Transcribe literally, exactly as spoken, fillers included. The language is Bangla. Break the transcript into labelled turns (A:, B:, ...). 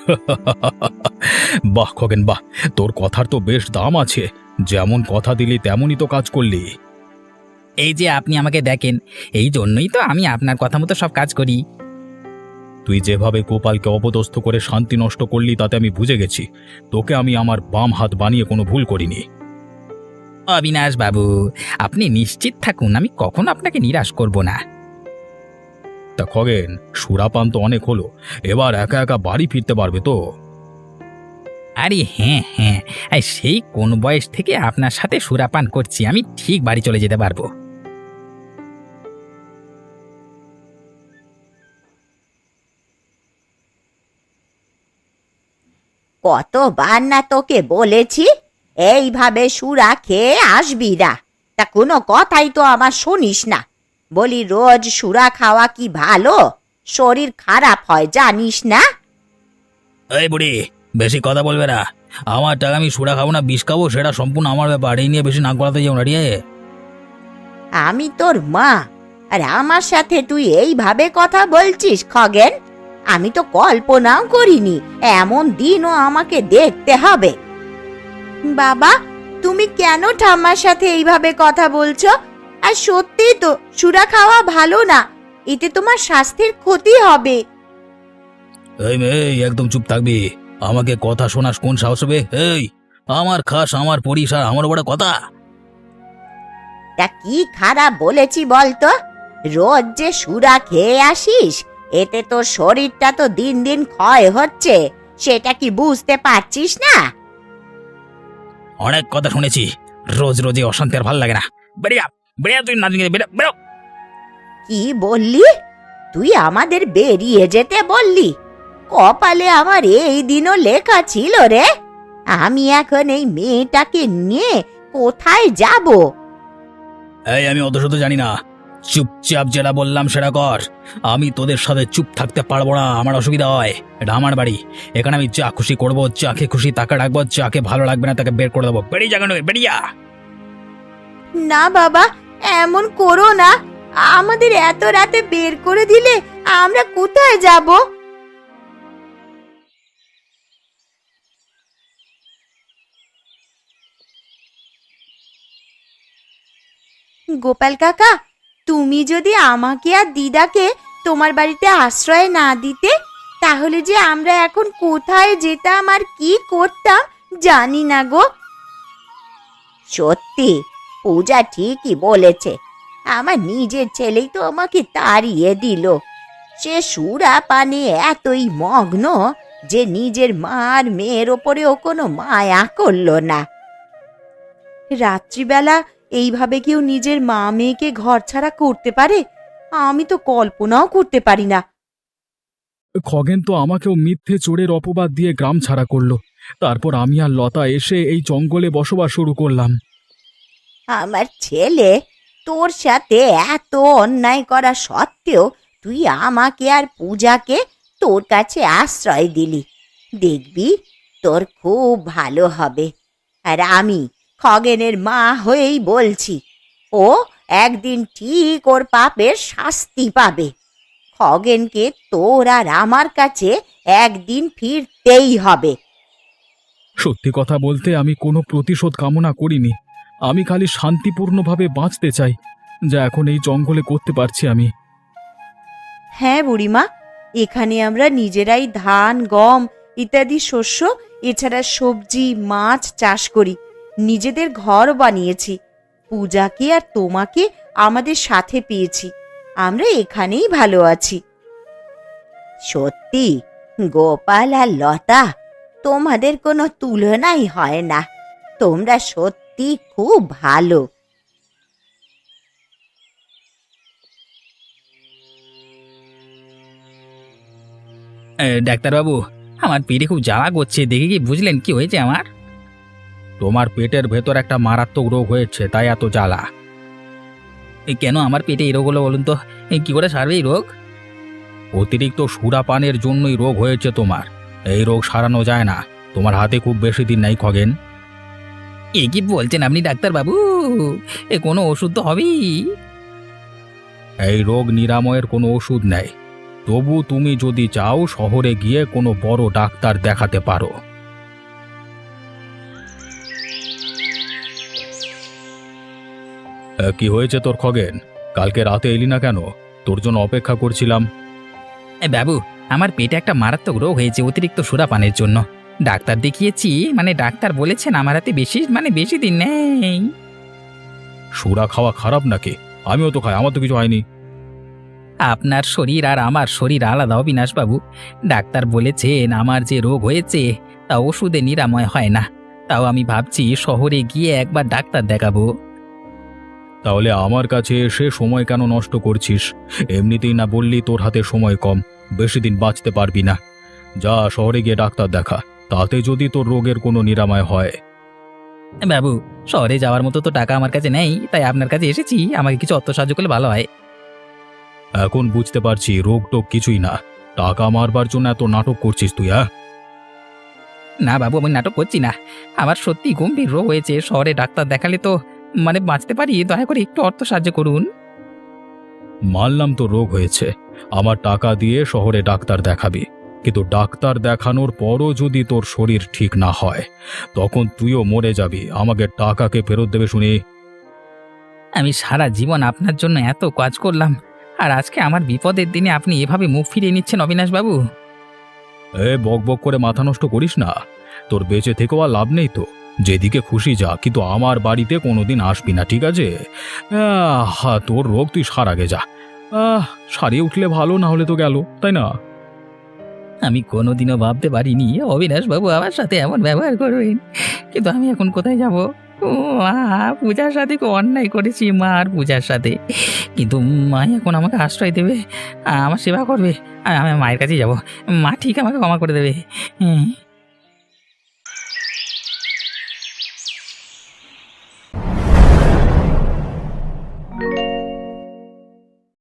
A: বাহ খগেন বাহ, তোর কথার তো বেশ দাম আছে। যেমন কথা দিলি তেমনই তো কাজ করলি।
B: এই যে আপনি আমাকে দেখেন, এই জন্যই তো আমি আপনার কথা মতো সব কাজ করি।
A: তুই যেভাবে গোপালকে অপদস্থ করে শান্তি নষ্ট করলি তাতে আমি বুঝে গেছি তোকে আমি আমার বাম হাত বানিয়ে কোনো ভুল করিনি।
B: অবিনাশ বাবু, আপনি নিশ্চিত থাকুন, আমি কখনো আপনাকে নিরাশ করব না।
A: তা খগেন, সুরাপান তো অনেক হলো, এবার একা একা বাড়ি ফিরতে পারবে তো?
B: আরে হ্যাঁ হ্যাঁ, এই সেই কোন বয়স থেকে আপনার সাথে সুরাপান করছি, আমি ঠিক বাড়ি চলে যেতে পারবো।
C: কতবার না তোকে বলেছি এইভাবে সুরা খেয়ে আসবি না, তা কোনো কথাই তো আমার শুনিস না। বলি রোজ সুরা খাওয়া কি ভালো? শরীর খারাপ হয় জানিস না?
B: এই বুড়ি, বেশি কথা বলবে না। আমার টাকা আমি সুরা খাবো না বিষ খাবো সেটা সম্পূর্ণ আমার ব্যাপার, এই নিয়ে বেশি নাক গলাতে যাও না রে।
C: আমি তোর মা, আর আমার সাথে তুই এইভাবে কথা বলছিস খগেন? আমি তো কল্পনাও করিনি এমন দিনও আমাকে দেখতে হবে। বাবা, তুমি কেন ঠাম্মার সাথে এইভাবে কথা বলছো? আর সত্যি তো সুরা খাওয়া ভালো না, এতে তোমার স্বাস্থ্যের ক্ষতি হবে।
B: এই মেয়ে, একদম চুপ থাকবি। আমাকে কথা শোনাস কোন সাহস হবে? এই, আমার খাস, আমার পরিস, আর আমার বড় কথা।
C: তা কি খারাপ বলেছি বলতো? রোজ যে সুরা খেয়ে আসিস, এতে তোর শরীরটা তো দিন দিন ক্ষয় হচ্ছে, সেটা কি বুঝতে পারছিস না?
B: অনেক কথা শুনেছি, রোজ রোজ এই অশান্তি আর ভাল লাগে না। বেরিয়া বেরিয়া, তুই নাচ বেরো বেরো।
C: কি বললি? তুই আমাদের বেরিয়ে যেতে বললি? কপালে আমার এই দিনও লেখা ছিল রে। আমি এখন এই মেয়েটাকে নিয়ে কোথায় যাব?
B: এই, আমি অত শত জানি না, চুপচাপ যেটা বললাম সেটা কর। আমি তোদের সাথে চুপ থাকতে পারবো না, আমার অসুবিধা হয়। এটা আমার বাড়ি, এখানে আমি যা খুশি করবো, যাকে খুশি তাকে রাখবো, যাকে ভালো লাগবে না তাকে বের করে দেবো। বেরিয়ে যাগানো, বেরিয়া।
C: না বাবা, এমন করো না। আমাদের এত রাতে বের করে দিলে আমরা কোথায় যাব? গোপাল কাকা, তুমি যদি আমাকে আর দিদাকে তোমার বাড়িতে আশ্রয় না দিতে, তাহলে যে আমরা এখন কোথায় যেতাম আর কি করতাম জানি না গো। সত্যি, পূজা ঠিকই বলেছে। আমার নিজের ছেলেই তো আমাকে তাড়িয়ে দিল। সে সুরা পানে এতই মগ্ন যে নিজের মা আর মেয়ের ওপরেও কোনো মায়া করলো না। রাত্রিবেলা এইভাবে কেউ নিজের মা মেয়েকে ঘর ছাড়া করতে পারে? আমি তো কল্পনাও করতে পারি না।
A: খগেন তো আমাকেও মিথ্যে চোরের অপবাদ দিয়ে গ্রাম ছাড়া করলো। তারপর আমি আর লতা এসে এই জঙ্গলে বসবাস শুরু করলাম।
C: আমার ছেলে তোর সাথে এত অন্যায় করা সত্ত্বেও তুই আমাকে আর পূজাকে তোর কাছে আশ্রয় দিলি। দেখবি তোর খুব ভালো হবে। আর আমি খগেনের মা হয়েই বলছি, ও একদিন ঠিক ওর পাপের শাস্তি পাবে। খগেনকে তোর আর আমার কাছে একদিন ফিরতেই হবে।
A: সত্যি কথা বলতে আমি কোনো প্রতিশোধ কামনা করিনি। আমি খালি শান্তিপূর্ণভাবে বাঁচতে চাই, যা এখন এই জঙ্গলে করতে পারছি আমি।
C: হ্যাঁ বুড়িমা, এখানে আমরা নিজেরাই ধান, গম ইত্যাদি শস্য, এছাড়া সবজি, মাছ চাষ করি। নিজেদের ঘর বানিয়েছি। পূজাকে আর তোমাকে আমাদের সাথে পেয়েছি। আমরা এখানেই ভালো আছি। সত্যি গোপাল আর লতা, তোমাদের কোনো তুলনাই হয় না। তোমরা সত্যি খুব ভালো।
B: ডাক্তারবাবু, আমার পেটে খুব জ্বালা করছে, দেখে কি বুঝলেন কি হয়েছে আমার?
A: তোমার পেটের ভেতর একটা মারাত্মক রোগ হয়েছে, তাই এত জ্বালা।
B: এই কেন আমার পেটে এই রোগ হলো বলুন তো? এই কি করে সারবে এই রোগ?
A: অতিরিক্ত সুরাপানের জন্যই রোগ হয়েছে তোমার। এই রোগ সারানো যায় না। তোমার হাতে খুব বেশি দিন নাই খগেন।
B: এ কি বলছেন আপনি ডাক্তারবাবু? এ কোনো ওষুধ তো হবেই।
A: এই রোগ নিরাময়ের কোনো ওষুধ নেই। তবু তুমি যদি চাও শহরে গিয়ে কোনো বড় ডাক্তার দেখাতে পারো। এ, কি হয়েছে তোর খগেন? কালকে রাতে এলি না কেন? তোর জন্য অপেক্ষা করছিলাম।
B: এ বাবু, আমার পেটে একটা মারাত্মক রোগ হয়েছে অতিরিক্ত সুরাপানের জন্য। ডাক্তার দেখিয়েছি, মানে ডাক্তার বলেছেন আমার হাতে বেশি মানে বেশি দিন নেই।
A: সুরা খাওয়া খারাপ নাকি? আমিও তো খাই, আমার তো কিছু হয়নি।
B: আপনার শরীর আর আমার শরীর আলাদা অবিনাশবাবু। ডাক্তার বলেছেন আমার যে রোগ হয়েছে তা ওষুধে নিরাময় হয় না। তাও আমি ভাবছি শহরে গিয়ে একবার ডাক্তার দেখাবো।
A: তাহলে আমার কাছে এসে সময় কেন নষ্ট করছিস? এমনিতেই না বললি তোর হাতে সময় কম, বেশি দিন বাঁচতে পারবি না। যা শহরে গিয়ে ডাক্তার দেখা, তাতে যদি তোর রোগের কোনো নিরাময় হয়।
B: বাবু, শহরে যাওয়ার মতো তো টাকা আমার কাছে নেই, তাই আপনার কাছে এসেছি। আমাকে কিছু অর্থ সাহায্য করলে ভালো হয়।
A: এখন বুঝতে পারছি রোগ টোগ কিছুই না, টাকা মারবার জন্য এত নাটক করছিস তুই। হ্যাঁ,
B: না বাবু, আমি নাটক করছি না। আমার সত্যি গম্ভীর রোগ হয়েছে। শহরে ডাক্তার দেখালে তো মানে বাঁচতে পারি। দয়া করে একটু অর্থ সাহায্য করুন।
A: মানলাম তো রোগ হয়েছে, আমার টাকা দিয়ে শহরে ডাক্তার দেখাবি, কিন্তু ডাক্তার দেখানোর পরও যদি তোর শরীর ঠিক না হয় তখন তুইও মরে যাবি। আমাকে টাকাকে ফেরত দেবে শুনি।
B: আমি সারা জীবন আপনার জন্য এত কাজ করলাম, আর আজকে আমার বিপদের দিনে আপনি এভাবে মুখ ফিরিয়ে নিচ্ছেন অবিনাশবাবু।
A: এ বক বক করে মাথা নষ্ট করিস না, তোর বেঁচে থেকেও আর লাভ নেই তো। যেদিকে খুশি যা, কিন্তু আমার বাড়িতে কোনোদিন আসবি না, ঠিক আছে? আহ, তোর রোগ তুই সারাগে যা। আহ সারিয়ে উঠলে ভালো, না হলে তো গেল, তাই না?
B: আমি কোনোদিনও ভাবতে পারিনি অবিনাশবাবু আমার সাথে এমন ব্যবহার করবেন। কিন্তু আমি এখন কোথায় যাব? ও মা, পূজার সাথে খুব অন্যায় করেছি মা আর পূজার সাথে। কিন্তু মা এখন আমাকে আশ্রয় দেবে, আমার সেবা করবে। আমি আমার মায়ের কাছেই যাব। মা ঠিক আমাকে ক্ষমা করে দেবে। হুম।